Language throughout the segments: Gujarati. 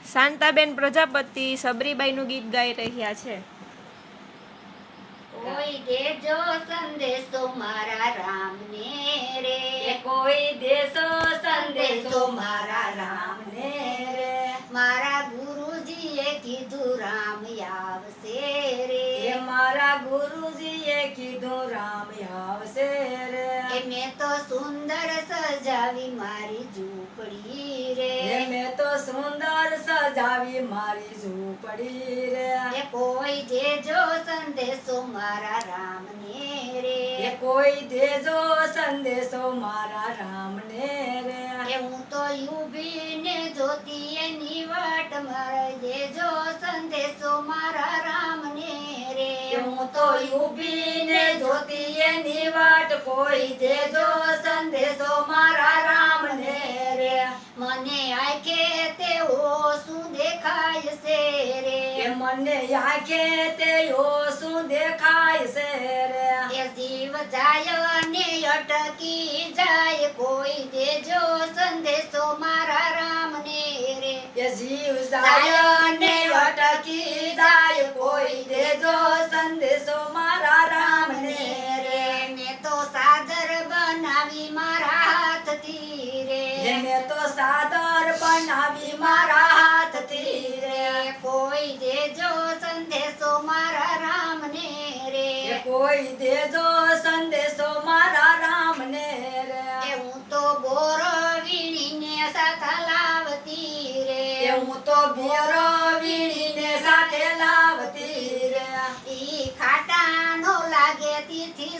શાંતાબેન પ્રજાપતિ સબરીબાઈનું ગીત ગાઈ રહ્યા છે। કોઈ દેજો સંદેશો મારા રામને રે, કોઈ દેશો સંદેશો મારા રામને રે, મારા ગુરુજીએ કીધું રામ આવશે રે, મારા ગુરુજીએ કીધું રામ આવશે રે, મેં તો સુંદર સજાવી મારી ઝૂંપડી રે, મેં તો સુંદર સજાવી મારી ઝૂંપડી રે, કોઈ દેજો સંદેશો મારા રામને રે, કોઈ દેજો સંદેશો મારા રામને રે, હું તો ઊભીને જોતી એની વાટ મારા દેજો સંદેશો મારા રામને રે, હું તો ઊભીને જોતી એની વાટ, કોઈ દેજો સંદેશો મારા રામને રે, મને આંખે તેઓ શું દેખાય છે રે, મને આંખે તેઓ શું દેખાય છે રે, એ જીવ જાય ને અટકી જાય, કોઈ દેજો સંદેશો મારા રામને રે, એ જીવ જાય ને અટકી જાય, કોઈ દેજો સંદેશો મારા રામને રે, મેં તો સાદર બનાવી મારા હાથથી રે, મેં તો સાદર બનાવી મારા હાથથી રે, કોઈ દેજો સંદેશો મારા રામને રે, કોઈ દેજો સંદેશો મારા રામને રે, હું તો બોર વીણીને સાથે લાવતી રે, હું તો બોરો વીણીને સાથે લાવતી રે, ઈ ખાટા નો લાગે તીથી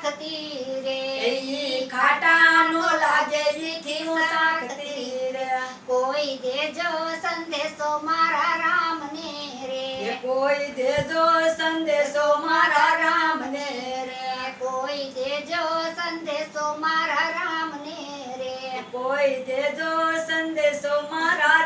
શાકતી રે, ઈ ખાટા નો લાગે ઈથી હું શાકતી રે, કોઈ દેજો સંદેશો મારા રામને રે, કોઈ દેજો સંદેશો મારા રામને રે, કોઈ દેજો સંદેશો મારા રામને રે, કોઈ દેજો સંદેશો મારા